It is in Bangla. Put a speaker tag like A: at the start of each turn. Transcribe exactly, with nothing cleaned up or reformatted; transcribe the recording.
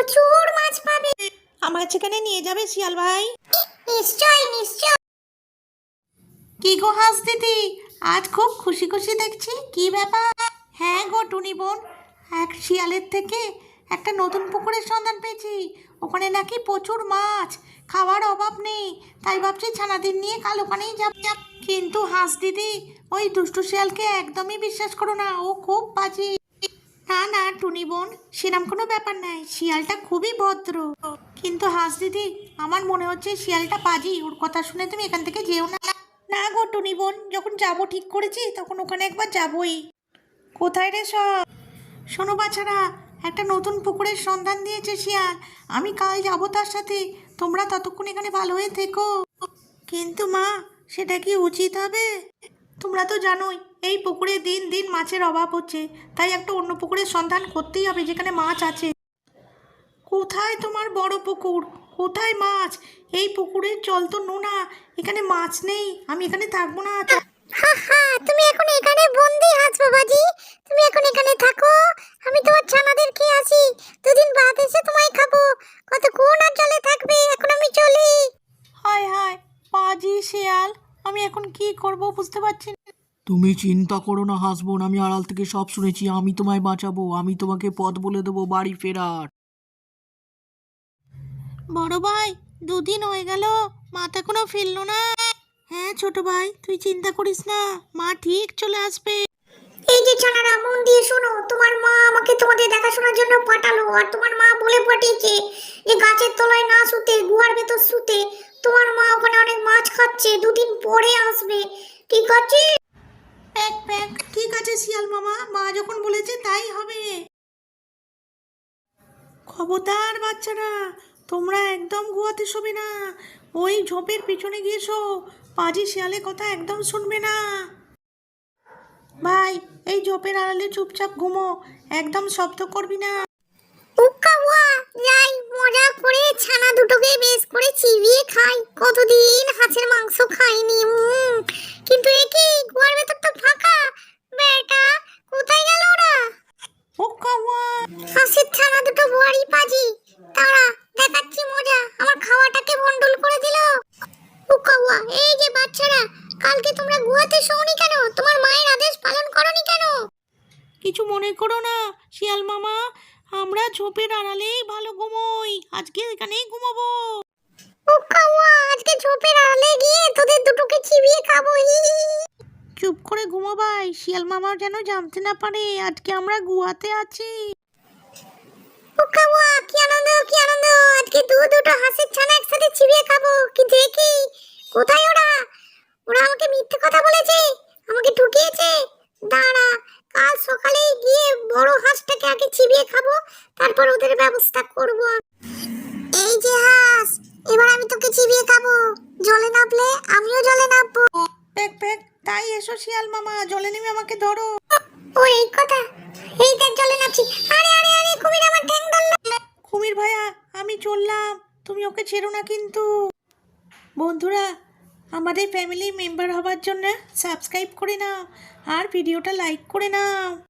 A: প্রচুর মাছ পাবে।
B: আমার সেখানে নিয়ে যাবে শিয়াল ভাই?
A: নিশ্চয় নিশ্চয়।
B: কি গো হাঁস দিদি, আজ খুব খুশি খুশি দেখছি, কি ব্যাপার? হ্যাঁ গো টুনি বোন, এক শিয়ালের থেকে একটা নতুন পুকুরের সন্ধান পেয়েছি। ওখানে নাকি প্রচুর মাছ, খাওয়ার অভাব নেই। তাই ভাবছি ছানাদের নিয়ে কাল ওখানেই যাব। কিন্তু হাঁস দিদি, ওই দুষ্টু শিয়ালকে একদমই বিশ্বাস করো না, ও খুব বাজি। না না টুনি বোন, সেরকম কোনো ব্যাপার নাই, শিয়ালটা খুবই ভদ্র। কিন্তু হাঁস দিদি, আমার মনে হচ্ছে শিয়ালটা বাজি, ওর কথা শুনে তুমি এখান থেকে যেও না। না গো টুনি বোন, যখন যাবো ঠিক করেছি তখন ওখানে একবার যাবোই। কোথায় রে সব? শোনো বাছারা, একটা নতুন পুকুরের সন্ধান দিয়েছে শিয়াল, আমি কাল যাবো তার সাথে। তোমরা ততক্ষণ এখানে ভালো হয়ে থেকো। কিন্তু মা, সেটা কি উচিত হবে? তোমরা তো জানোই এই পুকুরে দিন দিন মাছের অভাব হচ্ছে, তাই একটা অন্য পুকুরের সন্ধান করতেই হবে যেখানে মাছ আছে। কোথায় তোমার বড় পুকুর, কোথায় মাছ? এই পুকুরের জল তো নোনা, এখানে মাছ নেই, আমি এখানে থাকবো না।
A: হা হা, তুমি এখন এখানে বন্দি হাঁস বাবাজি। তুমি এখন এখানে থাকো, আমি তোমার ছানাদের খেয়ে আসি। দুদিন বাদ এসে তোমায় খাবো। কতক্ষণ আর জলে থাকবে, এখন আমি চলি।
B: হায় হায়, পাজি শিয়াল, আমি এখন কি করব বুঝতে পারছি না।
C: তুমি চিন্তা করো না হাসবোন, আমি আড়াল থেকে সব শুনেছি, আমি তোমায় বাঁচাবো, আমি তোমাকে পথ বলে দেবো বাড়ি ফেরার।
B: বড় ভাই, দুদিন হয়ে গেল, মা তো এখনো ফিরলো না। হ্যাঁ ছোট ভাই, তুই চিন্তা করিস না, মা ঠিক চলে আসবে।
A: এই যে ছানারা, মন দিয়ে শোনো। তোমার মা আমাকে তোমাদের দেখাশোনার জন্য পাঠালো, আর তোমার মা বলে পাঠিয়েছে যে গাছের তলায় না শুতে, গুহার ভেতর শুতে। তোমার মা ওখানে অনেক মাছ খাচ্ছে, দুদিন পরে আসবে, ঠিক আছে?
B: প্যাক প্যাক, ঠিক আছে শিয়াল মামা, মা যখন বলেছে তাই হবে। খবরদার বাচ্চারা, তোমরা একদম গুয়াতে শোবে না, ওই ঝোপের পিছনে গিয়ে শো। পাজি শিয়ালের কথা একদম শুনবে না। ভাই, এই ঝোপের আড়ালে চুপচাপ ঘুমো, একদম শব্দ করবি না।
A: উক্কা ওয়া, যাই মজা করে ছানা দুটোকে বেশ করে চিবিয়ে খাই। কতদিন হাঁসের মাংস খাইনি। উম, কিন্তু এ কি, গুহার ভেতর তো ফাঁকা। বেটা, কোথায় গেল ওরা?
B: ওকা ওয়া।
A: হাঁসের ছানা দুটো বড়ি পাজি, তারা দেখাচ্ছি মজা। আমার খাওয়াটাকে ভন্ডুল করে দিল। উক্কা ওয়া, এই যে বাচ্চারা, কালকে তোমরা গুহাতে শোনি কেন? তোমার মায়ের আদেশ পালন করনি কেন?
B: কিছু মনে করো না শিয়াল মামা, আমরা ঝোপের আড়ালেই ভালো ঘুমোই, আজকে এখানেই ঘুমাবো।
A: উক্কা ওয়া, আজকে ঝোপের আড়ালে গিয়ে তোদের দুটোকে চিবিয়ে খাবো। হি হি হি।
B: চুপ করে ঘুমো ভাই, শিয়াল মামা যেন জানতে না পারে আজকে আমরা গুহাতে আছি।
A: উক্কা ওয়া, কি আনন্দ কি আনন্দ, আজকে দু দুটো হাঁসের ছানা একসাথে চিবিয়ে খাবো। কিন্তু এ কি, কোথায় ওরা? ওরা আমাকে মিথ্যে কথা বলেছে, আমাকে ঠকিয়েছে। দাঁড়া, কাল সকালেই গিয়ে বড় হাঁসটাকে আগে চিবিয়ে খাবো, তারপর ওদের ব্যবস্থা করব। এই যে হাঁস, এবার আমি তোকে চিবিয়ে খাবো। জলে নামলে আমিও জলে নামবো।
B: প্যাক প্যাক, তাই এসো শিয়াল মামা, জলে নেমে আমাকে ধরো।
A: ও এই কথা, এই দেখ জলে নামছি। আরে আরে আরে, কুমির আমার ঠ্যাং ধরলো।
B: কুমির ভাইয়া, আমি চললাম, তুমি ওকে ছেড়ো না কিন্তু। বন্ধুরা, আমাদের ফ্যামিলি মেম্বার হবার জন্য সাবস্ক্রাইব করে নাও আর ভিডিওটা লাইক করে নাও।